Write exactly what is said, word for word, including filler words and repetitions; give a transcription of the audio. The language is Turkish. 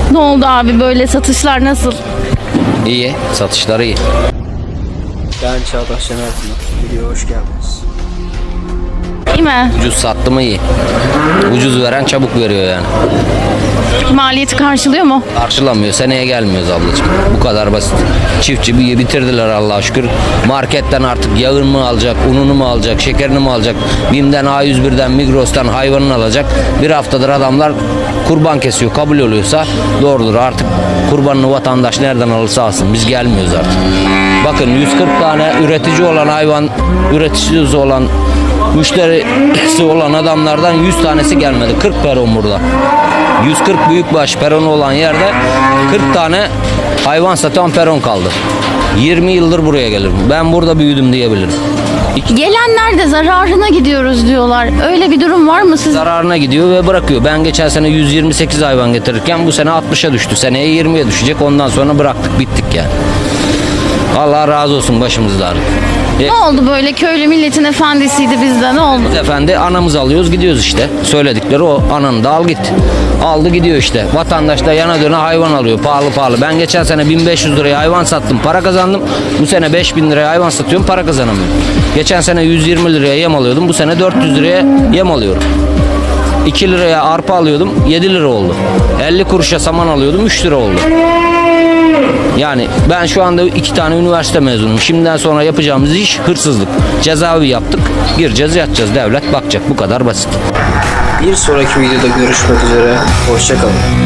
Ne oldu abi, böyle satışlar nasıl? İyi, satışları iyi. Ben Çağdaş Şener Pınar. Videoya hoş geldiniz. İyi mi? Ucuz sattı mı iyi. Ucuz veren çabuk veriyor yani. Maliyeti karşılıyor mu? Karşılamıyor, seneye gelmiyoruz ablacığım. Bu kadar basit. Çiftçi bir bitirdiler Allah'a şükür. Marketten artık yağını mı alacak, ununu mu alacak, şekerini mi alacak? BİM'den, A yüz bir'den, Migros'tan hayvanını alacak. Bir haftadır adamlar kurban kesiyor, kabul oluyorsa doğrudur. Artık kurbanını vatandaş nereden alırsa alsın. Biz gelmiyoruz artık. Bakın yüz kırk tane üretici olan hayvan, üreticisi olan, müşterisi olan adamlardan yüz tanesi gelmedi. kırk peron burada. yüz kırk büyükbaş peronu olan yerde kırk tane hayvan satan peron kaldı. yirmi yıldır buraya gelirim. Ben burada büyüdüm diyebilirim. Gelenler de zararına gidiyoruz diyorlar. Öyle bir durum var mı siz? Zararına gidiyor ve bırakıyor. Ben geçen sene yüz yirmi sekiz hayvan getirirken bu sene altmışa düştü. Seneye yirmiye düşecek. Ondan sonra bıraktık, bittik yani. Allah razı olsun başımızda ağrı. Ne oldu böyle, köylü milletin efendisiydi bizde, ne oldu? Biz efendi anamızı alıyoruz gidiyoruz işte. Söyledikleri o, ananı da al git. Aldı gidiyor işte. Vatandaş da yana döne hayvan alıyor pahalı pahalı. Ben geçen sene bin beş yüz liraya hayvan sattım, para kazandım. Bu sene beş bin liraya hayvan satıyorum, para kazanamıyorum. Geçen sene yüz yirmi liraya yem alıyordum. Bu sene dört yüz liraya yem alıyorum. iki liraya arpa alıyordum, yedi lira oldu. elli kuruşa saman alıyordum, üç lira oldu. Yani ben şu anda iki tane üniversite mezunuyum. Şimdiden sonra yapacağımız iş hırsızlık. Cezaevi yaptık. Gireceğiz, yatacağız. Devlet bakacak. Bu kadar basit. Bir sonraki videoda görüşmek üzere. Hoşça kalın.